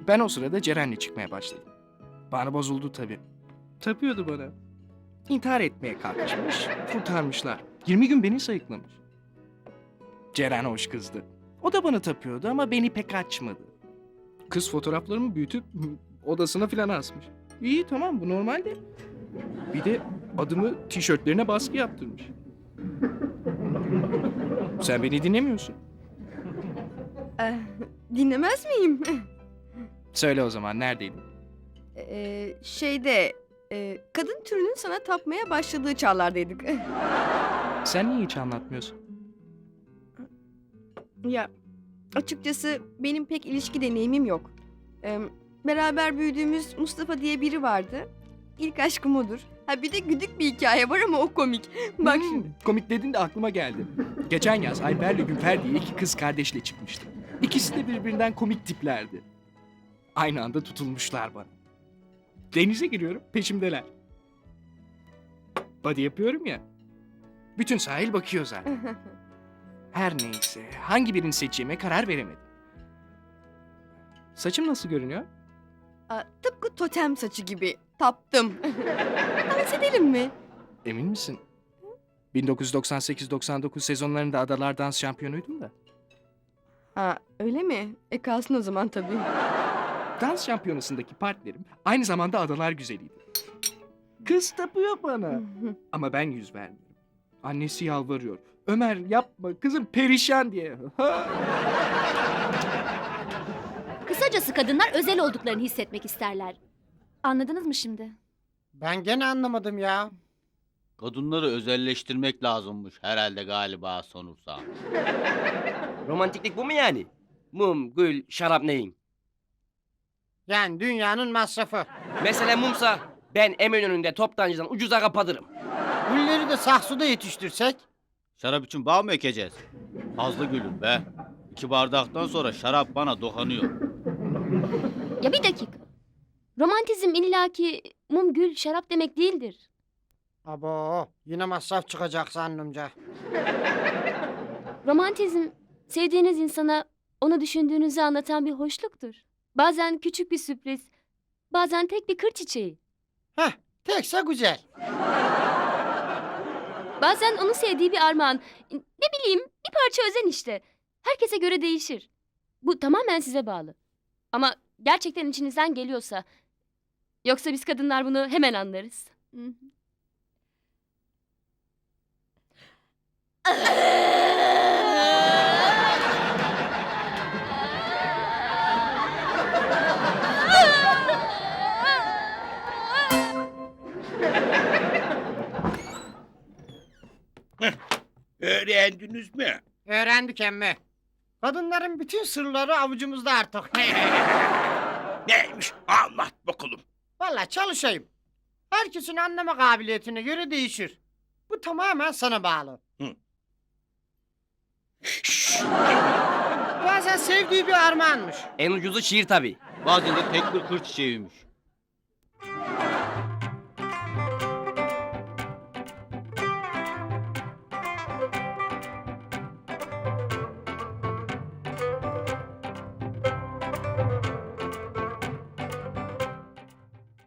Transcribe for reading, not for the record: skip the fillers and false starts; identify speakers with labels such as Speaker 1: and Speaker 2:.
Speaker 1: Ben o sırada Ceren'le çıkmaya başladım. Bana bozuldu tabii. Tapıyordu bana. İntihar etmeye kalkışmış, kurtarmışlar. 20 gün beni sayıklamış. Ceren hoş kızdı. O da bana tapıyordu ama beni pek açmadı. Kız fotoğraflarımı büyütüp odasına filan asmış. İyi tamam bu normal de. Bir de adımı tişörtlerine baskı yaptırmış. Sen beni dinlemiyorsun.
Speaker 2: Dinlemez miyim?
Speaker 1: Söyle o zaman neredeydin?
Speaker 2: Kadın türünün sana tapmaya başladığı çağlardaydık.
Speaker 1: Sen niye hiç anlatmıyorsun?
Speaker 2: Ya açıkçası benim pek ilişki deneyimim yok. Beraber büyüdüğümüz Mustafa diye biri vardı. İlk aşkım odur. Ha bir de güdük bir hikaye var ama o komik. Bak şimdi.
Speaker 1: Komik dedin de aklıma geldi. Geçen yaz Ayber'le Günfer diye iki kız kardeşle çıkmıştı. İkisi de birbirinden komik tiplerdi. Aynı anda tutulmuşlar bana. Denize giriyorum, peşimdeler. Body yapıyorum ya. Bütün sahil bakıyor zaten. Her neyse, hangi birini seçeceğime karar veremedim. Saçım nasıl görünüyor?
Speaker 2: Tıpkı totem saçı gibi. Taptım. Dans edelim mi?
Speaker 1: Emin misin? 1998-99 sezonlarında Adalar Dans şampiyonuydum da.
Speaker 2: Ha öyle mi? Kalsın o zaman tabii.
Speaker 1: Dans şampiyonasındaki partnerim aynı zamanda Adalar güzeliydi. Kız tapıyor bana. Ama ben yüz vermiyorum. Annesi yalvarıyor. Ömer yapma kızım perişan diye.
Speaker 3: Kısacası kadınlar özel olduklarını hissetmek isterler. Anladınız mı şimdi?
Speaker 4: Ben gene anlamadım ya.
Speaker 5: Kadınları özelleştirmek lazımmış herhalde galiba sonursa.
Speaker 6: Romantiklik bu mu yani? Mum, gül, şarap neyin?
Speaker 4: Yani dünyanın masrafı.
Speaker 6: Mesela mumsa ben Eminönü'nde toptancıdan ucuza kapatırım.
Speaker 4: Gülleri de saksıda yetiştirsek.
Speaker 5: Şarap için bağ mı ekeceğiz? Fazla gülüm be. 2 bardaktan sonra şarap bana dokanıyor.
Speaker 3: Ya bir dakika. Romantizm illaki mum, gül, şarap demek değildir.
Speaker 4: Abo yine masraf çıkacak zannımca.
Speaker 3: Romantizm sevdiğiniz insana onu düşündüğünüzü anlatan bir hoşluktur. Bazen küçük bir sürpriz, bazen tek bir kır çiçeği.
Speaker 4: Heh tekse güzel.
Speaker 3: Bazen onu sevdiği bir armağan. Ne bileyim bir parça özen işte. Herkese göre değişir. Bu tamamen size bağlı. Ama gerçekten içinizden geliyorsa... Yoksa biz kadınlar bunu hemen anlarız. Hı hı.
Speaker 7: Öğrendiniz mi?
Speaker 4: Öğrendik emmi. Kadınların bütün sırları avucumuzda artık.
Speaker 7: Neymiş? Anlat bakalım.
Speaker 4: Vallahi çalışayım. Herkesin anlama kabiliyetine göre değişir. Bu tamamen sana bağlı.
Speaker 7: Hı.
Speaker 4: Bazen sevdiği bir armağanmış.
Speaker 6: En ucuzu şiir tabii.
Speaker 5: Bazen de tek bir kır çiçeğiymiş.